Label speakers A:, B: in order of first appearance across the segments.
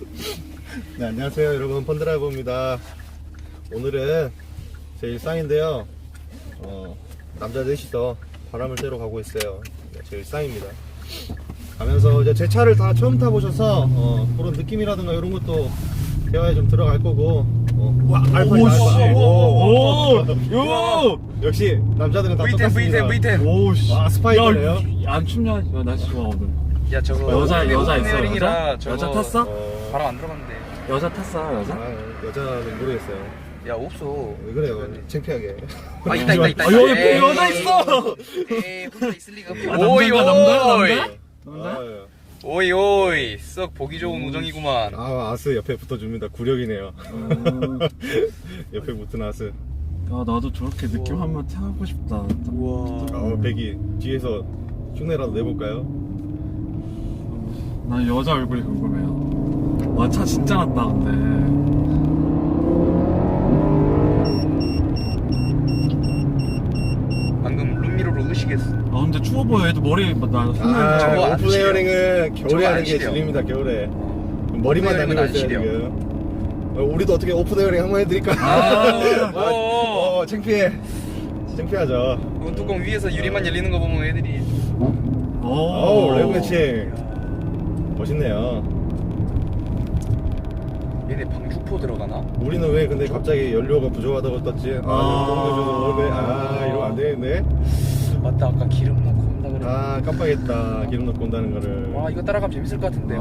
A: 네, 안녕하세요 여러분, 펀드라이버입니다. 오늘은 제 일상인데요. 남자 넷이서 바람을 쐬러 가고 있어요. 네, 제 일상입니다. 가면서 이제 제 차를 다 처음 타보셔서 그런 느낌이라든가 이런 것도 대화에 좀 들어갈 거고. 와, 알파. 오, 역시 남자들은 다
B: V10
A: 똑같습니다.
B: V10
A: 오씨, 아, 스파이더네요.
C: 안 춥냐? 야, 날씨 좋아 오늘.
B: 야 저거
C: 여자 있어,
B: 헤어링이라
C: 여자?
B: 저거
C: 여자 탔어?
B: 바람 안 들어갔는데.
C: 여자 탔어 여자?
A: 아, 여자는 모르겠어요.
B: 야 없어.
A: 왜 그래요? 창피하게.
B: 아 있다.
C: 아, 여기 여자 있어.
B: 에이 혼자 있을 리가 없지.
C: 아,
B: 오이
C: 남자?
B: 오이
C: 남자?
B: 오이 오이 썩 보기 좋은 우정이구만.
A: 아, 아스 옆에 붙어줍니다. 구력이네요. 옆에 붙은 아스.
C: 야, 나도 저렇게 느낌 한번 타고 싶다.
B: 우와.
A: 백이 뒤에서 흉내라도 내볼까요?
C: 난 여자 얼굴이 궁금해요. 와, 차 진짜 낫다 근데.
B: 방금 룸미러로 의식했어.
C: 아 근데 추워 보여. 얘도 머리 나
A: 아,
B: 저거 안
A: 오픈
B: 시려.
A: 에어링은
B: 저거
A: 겨울에
B: 안
A: 하는 게
B: 시려.
A: 질립니다. 겨울에 머리만
B: 오픈 에어링은
A: 다니고
B: 안
A: 있어요
B: 시려.
A: 지금. 우리도 어떻게 오픈 에어링 한번 해드릴까?
B: 오.
A: 창피해. 창피하죠.
B: 이건 뚜껑 위에서 유리만 열리는 거 보면 애들이.
A: 어우, 레그 매칭 멋있네요.
B: 얘네 방주포 들어가나?
A: 우리는 왜 근데 갑자기 연료가 부족하다고 떴지? 이러면 안 되는데.
B: 맞다, 아까 기름 넣고 온다 그래.
A: 아, 깜빡했다. 기름 넣고 온다는 거를.
B: 와 이거 따라가면 재밌을 것 같은데.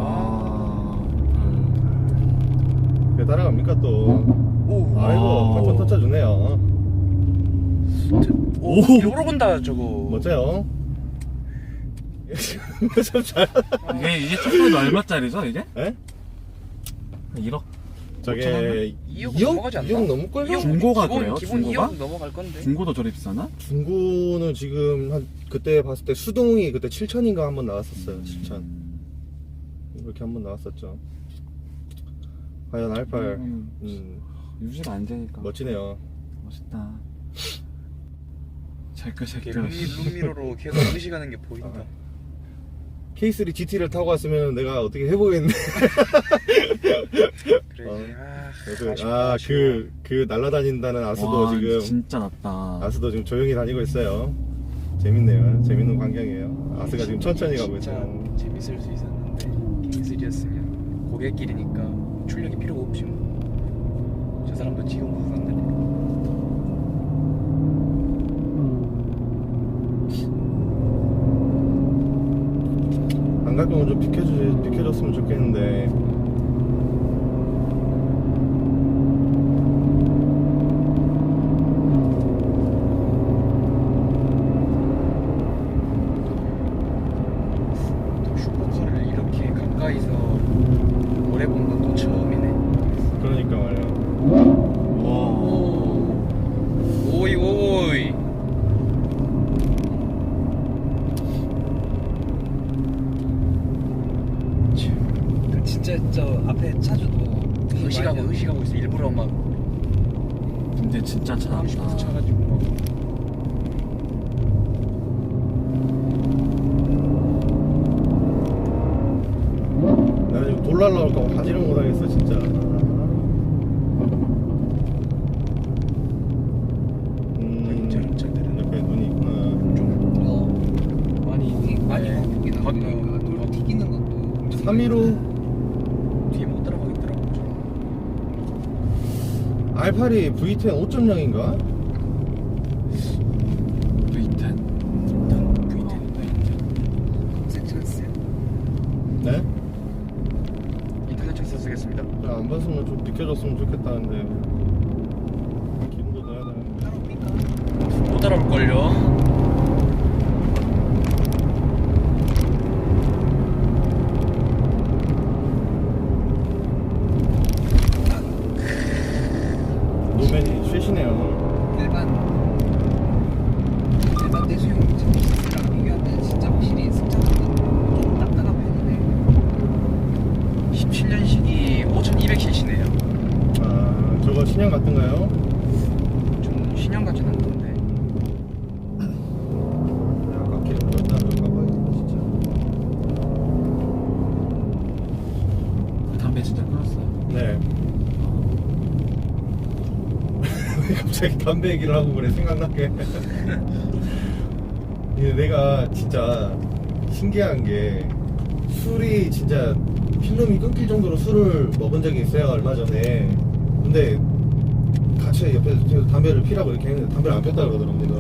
A: 왜 따라갑니까 또?
B: 오.
A: 아이고, 팍팍 터쳐주네요.
B: 오. 요러 본다 저거.
A: 멋져요. 참 잘.
C: 이게 첫번도 얼마짜리죠 이게?
A: 에?
C: 1억?
A: 저게
B: 2억 넘어가지 않나?
A: 2억 넘을걸요?
B: 2억,
C: 중고가
B: 기본,
C: 그래요?
B: 기본
C: 중고가?
B: 2억 넘어갈 건데.
C: 중고도 저리 비싸나?
A: 중고는 지금 한 그때 봤을 때 수동이 그때 7천인가 한번 나왔었어요. 7천. 이렇게 한번 나왔었죠. 과연 R8.
C: 유지가 안 되니까.
A: 멋지네요.
C: 멋있다. 제거
B: 이렇게
C: 제거.
B: 룸미러로 계속 의식하는 게 보인다.
A: K3 GT를 타고 왔으면 내가 어떻게 해보겠네.
B: 그래.
A: 그 날아다닌다는 아스도 지금
C: 진짜 낫다.
A: 아스도 지금 조용히 다니고 있어요. 재밌네요. 재밌는 광경이에요. 아스가 지금 천천히 가고
B: 진짜
A: 있어요.
B: 재밌을 수 있었는데 K3였으면 고객길이니까 출력이 필요가 없지 뭐. 저 사람도 지금 부산들.
A: 안 갈 거면 좀 비켜줬으면 좋겠는데.
B: 또 슈퍼카를 이렇게 가까이서 오래 본 건 또 처음이네.
A: 그러니까 말이야.
B: 오이 오이.
D: 진짜 저 앞에 차주도
B: 의식하고 있어. 일부러 막
C: 근데 진짜 차
B: 슈퍼
C: 낫다.
B: 차가지고 막.
A: 나 지금 돌 날라올까 가지를 못하겠어 진짜.
B: 운전자들은
A: 옆에 눈이 있구나.
B: 좀
D: 많이
B: 네.
D: 바뀌긴
B: 걷는
D: 하는데
B: 거.
D: 돌 튀기는 것도 엄청
A: 315
B: 뒤에 못 따라가겠더라고.
A: R8이 V10 5.0인가?
C: V10.
D: 검색 찬스.
A: 네?
B: 인터넷 찬스 쓰겠습니다.
A: 안 봤으면 좀 비켜줬으면 좋겠다는데. 기름도 넣어야 되는데.
D: 따로 삐까?
B: 못 따라올걸요?
A: 노맨이 쉐시네요.
D: 일반 대수용 제품이랑 비교할 때 진짜 확실히 승차감은 좀 딱딱한 편이네.
B: 17년식이 5200cc네요.
A: 아, 저거 신형 같은가요?
B: 좀 신형 같진 않던데.
A: 아까 기름 넣었다 가봐야겠다 진짜.
C: 담배 진짜 끊었어요.
A: 네. 왜 갑자기 담배 얘기를 하고 그래, 생각나게. 이게 내가 진짜 신기한 게 술이 진짜 필름이 끊길 정도로 술을 먹은 적이 있어요, 얼마 전에. 근데 같이 옆에서 담배를 피라고 이렇게 했는데 담배를 안 폈다 그러더라고, 내가.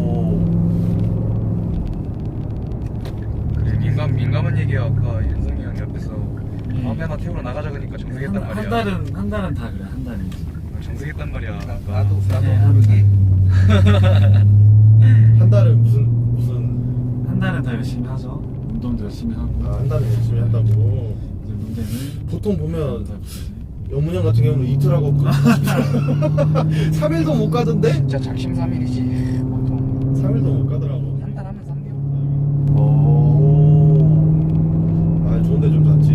B: 그래 민감한 얘기야. 아까 윤성이 형 옆에서 담배 하나 태우러 나가자 그러니까 정색했단 말이야.
C: 한 달은 다 그래. 한 달은.
B: 정색했단 말이야. 아까.
D: 나도
C: 네,
D: 모르게
A: 한 달은 무슨
C: 한 달은 다 열심히 하죠. 운동도 열심히 하고.
A: 한 달은 열심히 한다고.
C: 이제 문제는
A: 보통 보면 연문형 같은 경우는 이틀하고 3일도 못 가던데?
B: 진짜 작심삼일이지 보통.
A: 3일도 못 가더라고.
B: 한 달 하면 3개월.
A: 오. 아, 좋은데 좀 잤지.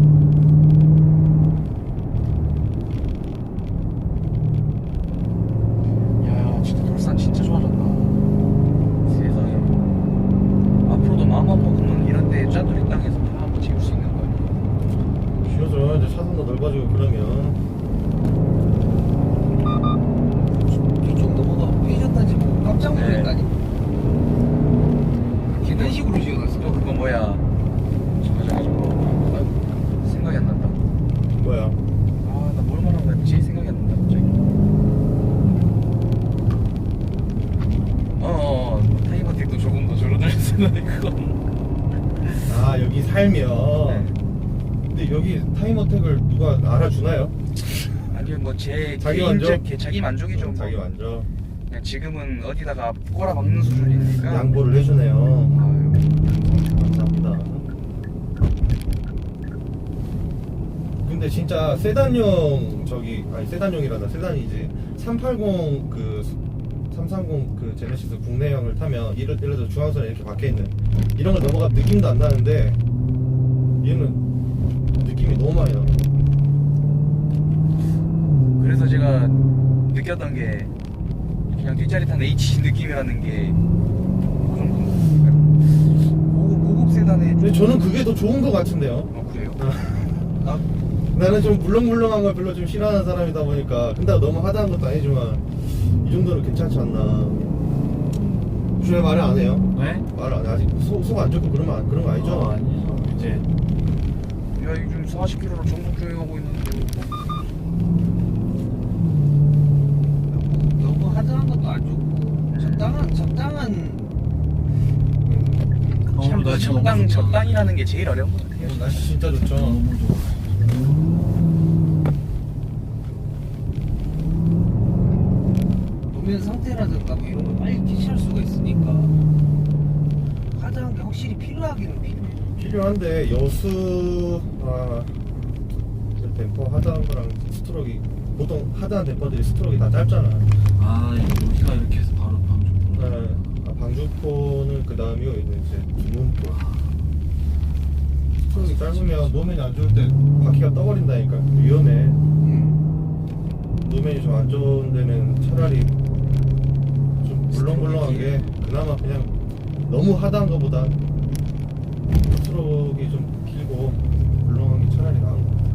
B: 야 진짜 돌산 진짜 좋아졌다. 세상에. 앞으로도 마음만 먹으면 이런데 짜투리 땅에서 다 한번 지울 수 있는 거야.
A: 쉬워져. 이제 차선도 넓어지고 그러면.
D: 이쪽 넘어가 빼셨다지 뭐 깜짝 놀랐다니. 이런 식으로 지어놨어.
B: 또 그거 뭐야? 저거 생각이 안 난다.
A: 뭐야?
B: 아나 뭘 말하고 했지? 생각이 안 난다 갑자기. 타이머틱도 조금 더 줄어들었는데 그건.
A: 아, 여기 살면.
B: 네.
A: 근데 여기 타임어택을 누가 알아주나요?
B: 아니면 뭐 제
A: 자기
B: 개인적
A: 만족?
B: 자기 만족이죠.
A: 자기
B: 뭐.
A: 만족.
B: 그냥 지금은 어디다가 꼬라박는 수준이니까.
A: 양보를 해주네요.
B: 아유,
A: 감사합니다. 근데 진짜 세단용 세단용이란다. 세단이지. 380 330 제네시스 국내형을 타면 예를 들어서 중앙선에 이렇게 박혀있는 이런 걸 넘어가면 느낌도 안 나는데 얘는 느낌이 너무 많이 나.
B: 그래서 제가 느꼈던 게 그냥 뒷자리 탄 H 느낌이라는 게 그 정도. 고급 세단에.
A: 근데 저는 그게 더 좋은 것 같은데요.
B: 그래요?
A: 나는 좀 물렁물렁한 걸 별로 좀 싫어하는 사람이다 보니까. 근데 너무 하다한 것도 아니지만 이 정도는 괜찮지 않나. 왜 말을 안 해요?
C: 왜?
A: 말을 안 해. 아직 속 안 좋고 그런 거 아니죠?
C: 아니에요. 이제
B: 야 요즘 40km로 전국 주행하고 있는데.
D: 너무 하드한 것도 안 좋고 적당한
B: 참
C: 날씨 너무 좋다.
B: 적당이라는 게 제일 어려운 것 같아요.
A: 날씨 진짜 좋죠.
C: 너무 좋아.
D: 노면 상태라든가 뭐 이런 걸 빨리 캐치할 수가 있으니까 하드한 게 확실히 필요하기는 필요해.
A: 필요한데 여수 댐퍼 하드한 거랑 스트로크 보통 하드한 댐퍼들이 스트로크 다 짧잖아.
C: 여기가 이렇게 해서 바로 방금.
A: 네. 방주포는 그 다음이고 이제 두문포. 스트로크 짧으면 노면이 안 좋을 때 바퀴가 떠버린다니까. 위험해. 노면이 좀 안 좋은 데는 차라리 좀 물렁물렁한 게 그나마 그냥 너무 하드한 거보다 스트로크가 좀 길고 물렁한 게 차라리 나은 거 같아.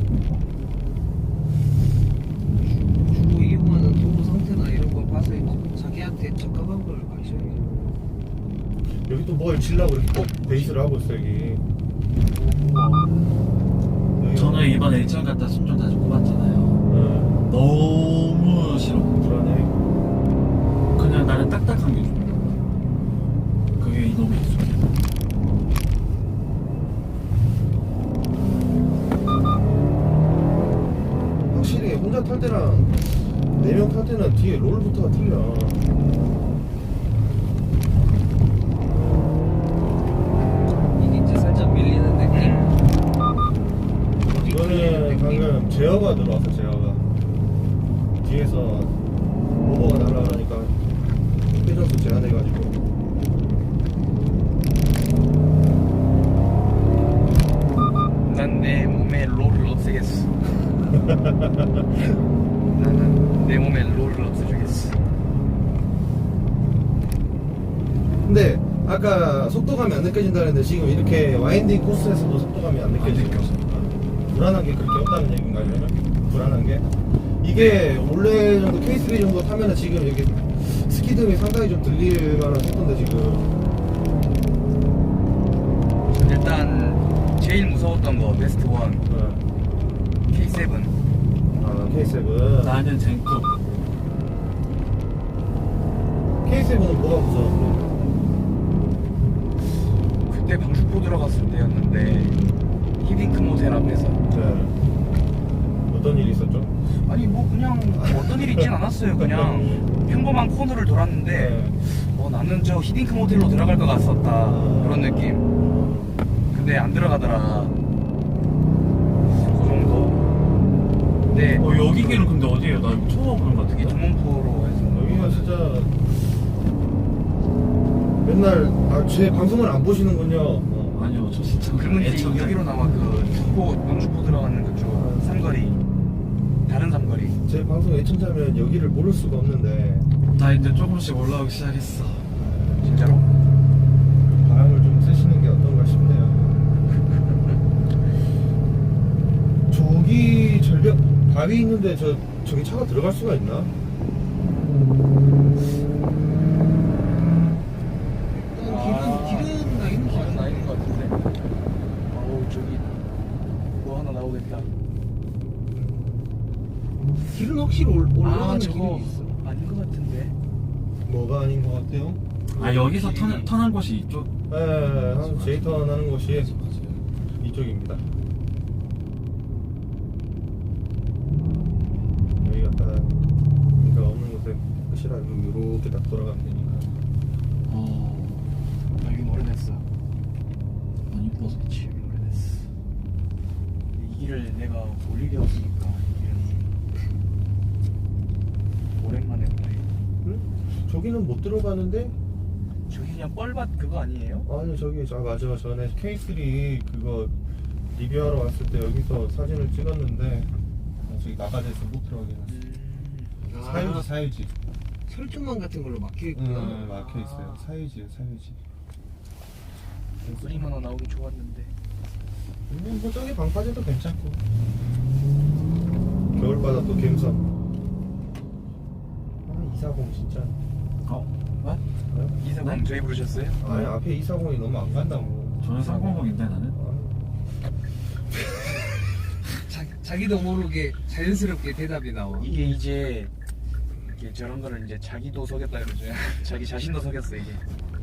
D: 주로 이게 보면은 도로 상태나 이런 걸 봐서 이제 자기한테 적합한 걸 가셔야지.
A: 여기 또 뭘 질라고 이렇게 꼭 베이스를 하고 있어 여기.
C: 저는 이번에 일정 갔다 순정 다시 뽑았잖아요. 너무 싫어.
A: 불안해.
C: 그냥 나는 딱딱한 게 좋아. 그게 너무 익숙해.
A: 확실히 혼자 탈 때랑 4명 탈 때는 뒤에 롤부터가 틀려.
D: 이게 이제 살짝 밀리는 느낌.
A: 이거는 방금 제어가 들어왔어. 제어가 뒤에서 오버가 날아가니까 회전수 제한해가지고
B: 난 내 몸에 롤을 없애겠어. 나는 내 몸에 롤을 없애주겠어.
A: 근데 아까 속도감이 안 느껴진다 그랬는데 지금 이렇게 와인딩 코스에서도 속도감이 안 느껴지죠. 불안한 게 그렇게 없다는 얘기인가요? 그러면? 불안한 게? 이게 원래 정도 K3 정도 타면은 지금 여기 스키등이 상당히 좀 들릴 만한 속도인데 지금.
B: 일단 제일 무서웠던 거 베스트 원 K7.
A: 아, K7.
C: 나는 젠쿠.
A: K7은 뭐가 무서워?
B: 그때 방주포 들어갔을 때였는데 히딩크 모텔 앞에서
A: 네. 어떤 일이 있었죠?
B: 아니 뭐 그냥 어떤 일이 있진 않았어요. 그냥 평범한 코너를 돌았는데 나는 저 히딩크 모텔로 들어갈 것 같았다 그런 느낌. 근데 안 들어가더라. 그 정도. 근데
C: 여기 길은 근데 어디예요? 나 이거 처음 와보는 것
B: 이게
C: 같은데.
B: 동문포로 해서
A: 여기가 진짜 맨날 제 방송을 안 보시는군요.
C: 아니요, 저 진짜
B: 그러면 이제
C: 애청자.
B: 여기로 나와 그 주포 방주포 들어가는 그쪽 삼거리 다른 삼거리.
A: 제 방송 애청자면 여기를 모를 수가 없는데
C: 나 이제 조금씩 올라오기 시작했어.
B: 진짜로?
A: 바람을 좀 쐬시는 게 어떤가 싶네요. 저기 절벽 바위 있는데 저기 차가 들어갈 수가 있나?
D: 길은 나 이런
B: 길은 아닌 것 같은데. 어우 저기 뭐 하나 나오겠다.
D: 길은 확실히 올라가는
B: 저거
D: 길이 있어.
B: 아닌 것 같은데.
A: 뭐가 아닌 것 같아요?
C: 아, 여기서 턴한 곳이 이쪽.
A: 네, 한 제이턴 하는 곳이 이쪽입니다. 여기가 딱 그러니까 없는 곳에 끝이라고 이렇게 딱 돌아가면 되니까.
B: 여긴 오래됐어.
C: 안 이뻐서.
B: 그치 여긴 오래됐어. 이 길을 내가 올 일이 없으니까 이 길은 오랜만에 보네.
A: 응? 저기는 못 들어가는데?
B: 저기 그냥 뻘밭 그거 아니에요?
A: 아니 저기 맞아 전에 K3 그거 리뷰하러 왔을 때 여기서 사진을 찍었는데 저기 나가돼서 못 들어가게 해놨어. 사유지
D: 철조망 같은 걸로 막혀 있구나.
A: 막혀 있어요. 사유지요 사유지.
B: 소리만 하나 나오긴 좋았는데.
A: 뭐 저기 방파제도 괜찮고 겨울바다 또 갬성. 240 진짜.
C: 뭐?
B: 이사방
C: 네?
B: 저희 부르셨어요?
A: 아니 앞에 240이 너무 안 간다고.
C: 저는 300인데 나는.
D: 자기도 모르게 자연스럽게 대답이 나와.
B: 이게 이제 저런 거를 이제 자기도 속였다 그러죠. 자기 자신도 속였어 이게.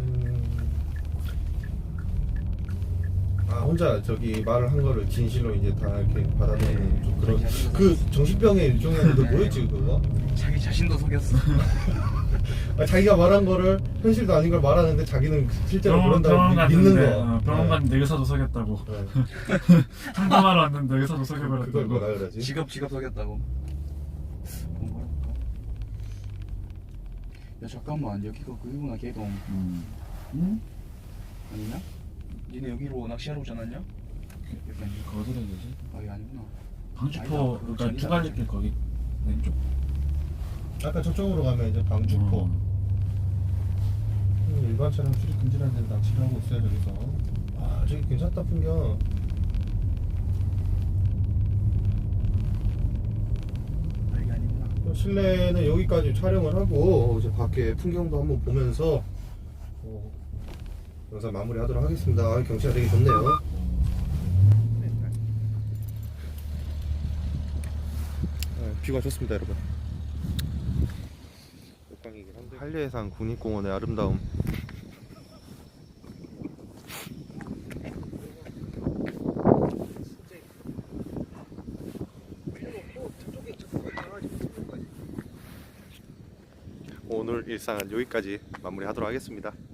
A: 혼자 저기 말을 한 거를 진실로 이제 다 이렇게 받아들이는
B: 네.
A: 좀 그런 그 정신병의 일종이었는데 뭐였지 그거?
B: 자기 자신도 속였어.
A: 자기가 말한 거를 현실도 아닌 걸 말하는데 자기는 실제로
C: 병원
A: 그런다고 믿는
C: 갔는데,
A: 거.
C: 병원 갔는데 의사도 속였다고.
A: 네.
C: 상담하러 왔는데 의사도
A: 그걸
C: 속여버렸다고.
A: 뭐라 그러지?
B: 직업 속였다고. 뭐라 할까? 야 잠깐만 여기가 그거구나 개동.
C: 응?
B: 아니냐? 니네 여기로 낚시하러 오지 않았냐? 여기 아니야?
C: 어디로 해야 되지?
B: 아 여기 아니구나.
C: 방주포,
B: 아니다,
C: 그러니까
B: 저기다.
C: 두갈리길 거기 왼쪽.
A: 아까 저쪽으로 가면 이제 방주포. 일반 차량 출입 금지라는 데는 낚시를 하고 있어요 저기서. 아 저기 괜찮다 풍경.
B: 아 여기 아니구나.
A: 실내는 여기까지 촬영을 하고 이제 밖에 풍경도 한번 보면서 영상 마무리하도록 하겠습니다. 경치가 되게 좋네요. 뷰가 좋습니다, 여러분. 한려해상 국립공원의 아름다움. 오늘 일상은 여기까지 마무리하도록 하겠습니다.